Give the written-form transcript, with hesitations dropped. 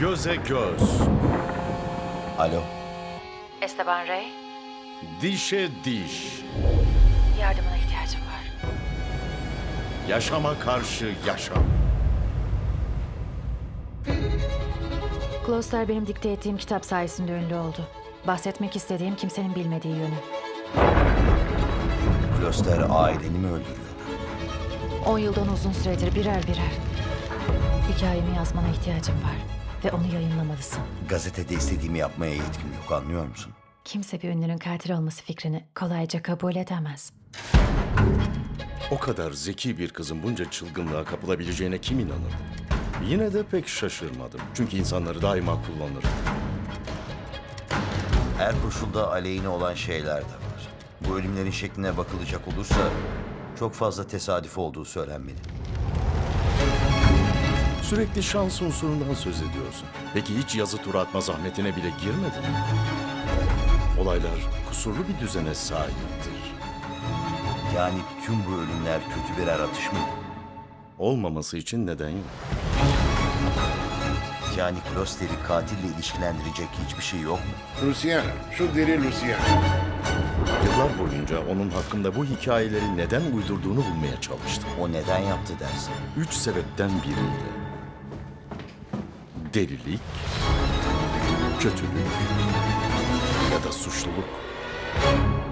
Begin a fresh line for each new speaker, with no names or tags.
Göze göz,
Alo,
Esteban Rey,
dişe diş,
yardımına ihtiyacım var.
yaşama karşı yaşam.
Kloster benim dikte ettiğim kitap sayesinde ünlü oldu. Bahsetmek istediğim kimsenin bilmediği yönü.
Kloster aileni mi öldürüyordu?
10 yıldan uzun süredir birer birer. Hikayemi yazmana ihtiyacım var ve onu yayınlamalısın.
Gazetede istediğimi yapmaya yetkim yok, anlıyor musun?
Kimse bir ünlünün katil olması fikrini kolayca kabul edemez.
O kadar zeki bir kızın bunca çılgınlığa kapılabileceğine kim inanırdı? Yine de pek şaşırmadım. Çünkü insanları daima kullanır.
Her koşulda aleyhine olan şeyler de var. Bu ölümlerin şekline bakılacak olursa çok fazla tesadüf olduğu söylenmeli.
Sürekli şans unsurundan söz ediyorsun. Peki hiç yazı tura atma zahmetine bile girmedin mi? Olaylar kusurlu bir düzene sahiptir.
Yani tüm bu ölümler kötü birer atış mıydı?
Olmaması için neden yok?
Yani Kloster'i katille ilişkilendirecek hiçbir şey yok mu?
Luciana, şu deli Luciana.
Yıllar boyunca onun hakkında bu hikayeleri neden uydurduğunu bulmaya çalıştım.
O neden yaptı dersin?
3 sebepten biriyle. Delilik, kötülük ya da suçluluk.